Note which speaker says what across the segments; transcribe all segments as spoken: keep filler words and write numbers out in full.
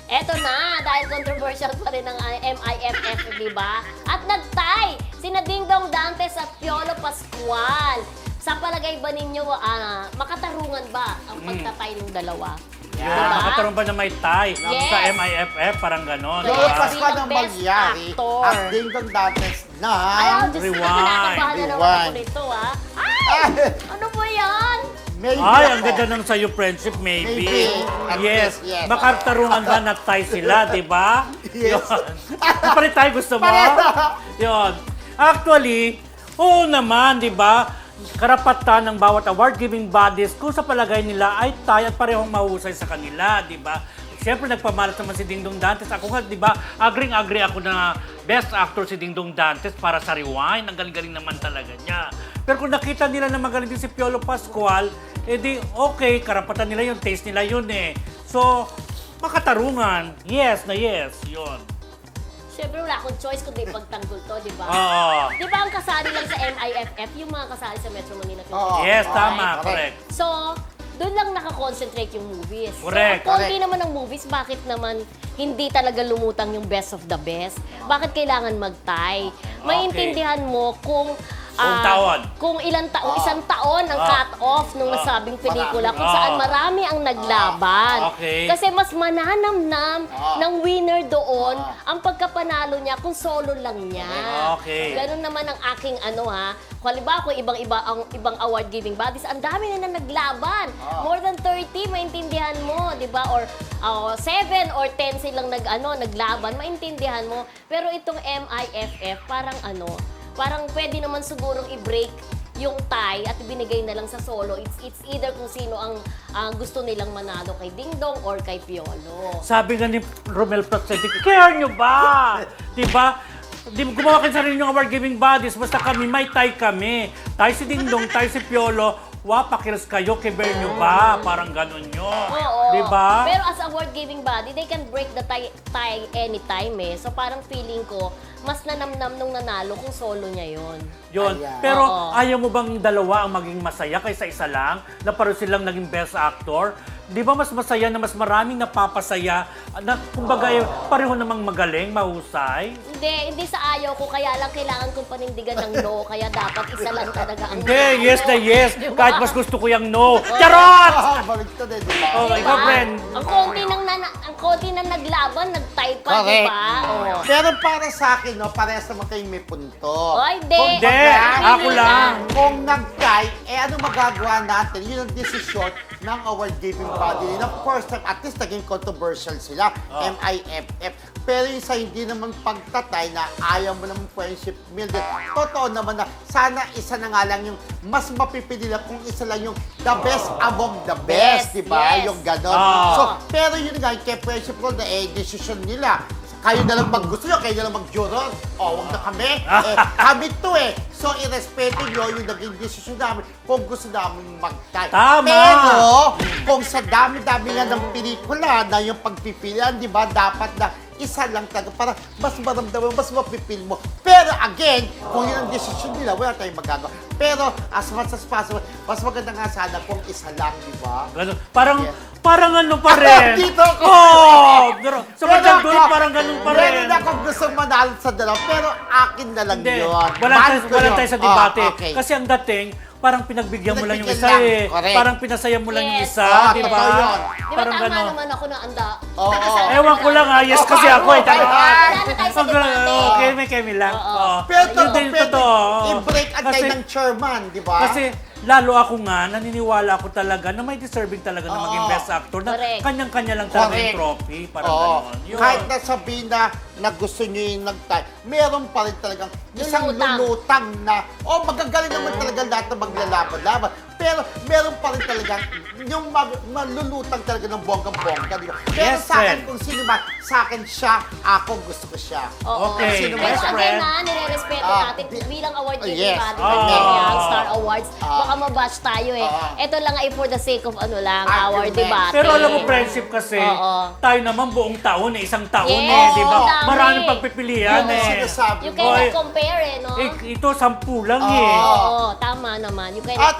Speaker 1: Eto na, dahil controversial pa rin ang M I F F, di ba? At nagtay sina Dingdong Dantes at Piolo Pascual. Sa palagay ba ninyo, ah, makatarungan ba ang pagtatay ng dalawa?
Speaker 2: Yun,
Speaker 1: Diba?
Speaker 2: makataroon ba na may tie
Speaker 1: Yes.
Speaker 2: sa M I F F? Parang gano'n.
Speaker 1: Yes.
Speaker 3: Lolo
Speaker 2: diba?
Speaker 3: Pascual ang
Speaker 1: Best
Speaker 3: magyari
Speaker 1: actor.
Speaker 3: at Dingdong Dantes na
Speaker 1: Ay, oh, Diyos ko,
Speaker 2: Rewind.
Speaker 1: kinakabahan na naman ako
Speaker 3: Rewind.
Speaker 1: nito, ah. Ay!
Speaker 3: Ay,
Speaker 1: Ano ba yan?
Speaker 3: maybe
Speaker 2: Ay,
Speaker 3: ako.
Speaker 2: ang ganda ng sa'yo, friendship, maybe.
Speaker 3: Maybe. At
Speaker 2: Yes.
Speaker 3: least, yes.
Speaker 2: Makatarungan ba na tie sila, di ba?
Speaker 3: Yes.
Speaker 2: Yun. Palit tayo, gusto mo?
Speaker 3: Pareho.
Speaker 2: Yun. Actually, oo naman, di ba? Karapatan ng bawat award-giving bodies kung sa palagay nila ay tayo at parehong mahusay sa kanila, di ba? Siyempre, nagpamalat naman si Dingdong Dantes. Ako nga, di ba, agring-agree ako na best actor si Dingdong Dantes para sa Rewind. Ang galing-galing naman talaga niya. Pero kung nakita nila na magaling din si Piolo Pascual, edi okay, karapatan nila yun, taste nila yun eh. So, makatarungan. Yes na yes, yun.
Speaker 1: Siyempre, wala akong choice kundi pagtanggol to, di ba?
Speaker 2: Oo.
Speaker 1: Di ba ang kasali lang sa M I F F, yung mga kasali sa Metro Manila Film
Speaker 3: Oo.
Speaker 2: Yes,
Speaker 1: Festival,
Speaker 2: tama,
Speaker 1: right?
Speaker 2: correct.
Speaker 1: So, doon lang nakakonsentrate yung movies.
Speaker 2: Correct,
Speaker 1: So, ang konti
Speaker 3: correct.
Speaker 1: naman ng movies, bakit naman hindi talaga lumutang yung best of the best? Bakit kailangan mag-tie? Maintindihan mo kung
Speaker 2: Kung
Speaker 1: ah,
Speaker 2: taon.
Speaker 1: kung ilang taon,
Speaker 3: Ah.
Speaker 1: isang taon ang
Speaker 2: Ah.
Speaker 1: cut-off nung
Speaker 2: Ah.
Speaker 1: nasabing pelikula kung
Speaker 2: Ah.
Speaker 1: saan marami ang naglaban.
Speaker 2: Okay.
Speaker 1: Kasi mas mananamnam
Speaker 3: Ah.
Speaker 1: ng winner doon
Speaker 3: Ah.
Speaker 1: ang pagkapanalo niya kung solo lang niya.
Speaker 2: Okay.
Speaker 1: Ganun naman ang aking ano ha. Kung halimbawa kung ibang-iba ang ibang award-giving bodies, ang dami na na naglaban.
Speaker 3: Ah.
Speaker 1: More than thirty, maintindihan mo, 'di ba? Or uh, seven or ten silang nag ano, naglaban, maintindihan mo. Pero itong M I F F parang ano, parang pwede naman sigurong i-break yung tie at ibinigay na lang sa solo. It's it's either kung sino ang ang gusto nilang manalo kay Dingdong or kay Piolo.
Speaker 2: Sabi nga ni Romel Placente, care nyo ba? Di ba? Di gumawa kayo sarili yung award-giving bodies, basta kami, may tie kami. Tie si Dingdong, tie si Piolo, wa, pakiras kayo, kiber nyo ba? Parang ganun yun.
Speaker 1: Oo.
Speaker 2: Di ba?
Speaker 1: Pero as award-giving body, they can break the tie, tie anytime eh. So parang feeling ko, mas nanamnam nung nanalo kung solo niya yon.
Speaker 2: Yun.
Speaker 3: Ayan.
Speaker 2: Pero
Speaker 1: Oo.
Speaker 2: ayaw mo bang dalawa ang maging masaya kaysa isa lang? Na pareho silang naging best actor? Di ba mas masaya na mas maraming napapasaya? Na kumbaga eh, pareho namang magaling, mahusay?
Speaker 1: Hindi, hindi sa ayaw ko, kaya lang kailangan kong panindigan ng no, kaya dapat isa lang talaga ang
Speaker 2: Hindi,
Speaker 1: manalo.
Speaker 2: yes na yes.
Speaker 1: Di ba?
Speaker 2: Kahit mas gusto ko yung no. Charot!
Speaker 3: Ah, baliktad eh, di ba?
Speaker 2: Oh,
Speaker 1: Diba?
Speaker 2: ikaw, friend.
Speaker 1: Ang konti nang nana- ang konti nang naglaban, nag-tie pa, di
Speaker 3: Correct.
Speaker 1: ba? Oh.
Speaker 3: Pero para sa akin, no, parehas naman kayong may punto.
Speaker 1: Ay, hindi.
Speaker 3: Kung
Speaker 2: Hindi,
Speaker 3: baga,
Speaker 2: ako lang.
Speaker 3: Kung nag-tie, eh ano magagawa natin? Yun ang desisyon ng award-giving body. And of course, at least naging controversial sila,
Speaker 2: Oh.
Speaker 3: M I F F. Pero yung sa hindi naman pagtatay na ayaw mo naman friendship building, totoo naman na sana isa na nga lang yung mas mapipili lang kung isa lang yung the best among the best,
Speaker 1: Yes,
Speaker 3: di ba?
Speaker 1: yes.
Speaker 3: Yung ganon.
Speaker 2: Ah.
Speaker 3: So, pero yun nga, kay friendship ko na eh, desisyon nila. Kayo na lang mag-gusto nyo, kayo na lang mag-juror. O, wag na kami. Eh, kami to eh. So, irespeto nyo yung naging desisyon namin kung gusto namin mag-tie.
Speaker 2: Tama.
Speaker 3: Pero, kung sa dami-dami nga ng pelikula na yung pagpipilian, di ba, dapat na isa lang talaga para mas maramdaman, mas mapipil mo. Pero again, kung yun ang desisyon nila, wala tayong magagawa. Pero as much as possible, mas maganda nga sana kung isa lang, di ba?
Speaker 2: Ganun. Parang,
Speaker 3: Yes.
Speaker 2: parang ano pa rin.
Speaker 3: Dito ako.
Speaker 2: Oh, pero sa
Speaker 3: Pero
Speaker 2: bandang dulo,
Speaker 3: ako,
Speaker 2: parang ganun pa rin.
Speaker 3: Meron akong gustong manalo sa dalawa, pero akin na lang
Speaker 2: Hindi,
Speaker 3: yun.
Speaker 2: wala
Speaker 3: Mahal
Speaker 2: tayo,
Speaker 3: ko
Speaker 2: wala
Speaker 3: yun.
Speaker 2: tayo sa debate.
Speaker 3: Oh, okay.
Speaker 2: Kasi ang dating, parang pinagbigyan mo lang yung
Speaker 3: Pinagbigyan
Speaker 2: isa
Speaker 3: lang,
Speaker 2: eh.
Speaker 3: correct.
Speaker 2: Parang pinasaya mo lang yung
Speaker 1: Yes.
Speaker 2: isa,
Speaker 3: Ah,
Speaker 2: di
Speaker 3: totoo
Speaker 2: ba?
Speaker 3: yun.
Speaker 1: Di ba
Speaker 2: Parang
Speaker 1: tama
Speaker 2: gano'n.
Speaker 1: naman ako na anda?
Speaker 3: Oo.
Speaker 1: Nakasama
Speaker 2: Ewan ko lang ah, yes kasi ako eh. Tama.
Speaker 1: Wala na tayo sa
Speaker 2: Ang galing,
Speaker 1: debate.
Speaker 2: okay, may kemi lang.
Speaker 1: Oo.
Speaker 2: Oo.
Speaker 3: Pero
Speaker 2: Yun
Speaker 3: totoo,
Speaker 2: din,
Speaker 3: pwede
Speaker 2: totoo.
Speaker 3: i-break ang
Speaker 2: Kasi-
Speaker 3: tayo ng chairman, di ba?
Speaker 2: Kasi lalo ako nga, naniniwala ako talaga na may deserving talaga na maging
Speaker 3: Oo.
Speaker 2: best actor na
Speaker 1: Correct.
Speaker 2: kanyang-kanya lang talaga yung
Speaker 3: Correct.
Speaker 2: trophy. Parang
Speaker 3: Oo.
Speaker 2: gano'n. Yun.
Speaker 3: Kahit na sabihin na, na gusto nyo yung nag-tie, meron pa rin talagang isang
Speaker 1: Lulutang.
Speaker 3: lulutang na, oh, magagaling naman talaga lahat na maglalaban-laban. Pero meron pa rin talagang yung mag, malulutang talaga ng bonggang-bongga. Di ba? Pero
Speaker 2: Yes,
Speaker 3: sa akin,
Speaker 2: friend.
Speaker 3: kung sino man, sa akin siya, ako gusto ko siya.
Speaker 1: Oo.
Speaker 2: Okay,
Speaker 3: Sino
Speaker 1: Pero
Speaker 3: best
Speaker 1: again
Speaker 2: friend?
Speaker 1: na, nire-respeto
Speaker 3: Ah,
Speaker 1: natin
Speaker 3: di-
Speaker 1: bilang award-giving
Speaker 3: Yes.
Speaker 1: body,
Speaker 2: Ah.
Speaker 1: like yung Star Awards,
Speaker 3: Ah.
Speaker 1: baka mabash tayo eh.
Speaker 3: Ah.
Speaker 1: Ito lang ay for the sake of ano lang,
Speaker 3: Argument.
Speaker 1: award debate.
Speaker 2: Pero alam mo, friendship kasi,
Speaker 1: Oo.
Speaker 2: tayo naman buong taon eh, isang taon
Speaker 1: Yes,
Speaker 2: eh, di ba?
Speaker 1: ang dami.
Speaker 2: Maraming pagpipilian
Speaker 3: Yun ang
Speaker 2: eh.
Speaker 3: sinasabi
Speaker 1: You
Speaker 3: mo.
Speaker 1: cannot
Speaker 2: Oy.
Speaker 1: compare eh, no?
Speaker 2: Eh, ito, sampu lang
Speaker 3: Oo.
Speaker 2: eh.
Speaker 1: Oo, tama naman. You cannot
Speaker 3: At, at
Speaker 1: compare.
Speaker 3: meron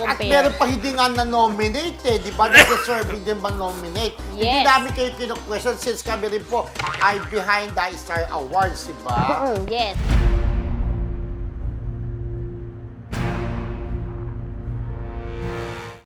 Speaker 3: meron pa hindi nga na-nominate eh, di ba? Deserving din ba nominate? Hindi
Speaker 1: Yes.
Speaker 3: namin kayo kinu-question since kami rin po ay behind the Star Awards, di ba?
Speaker 1: Mm, yes.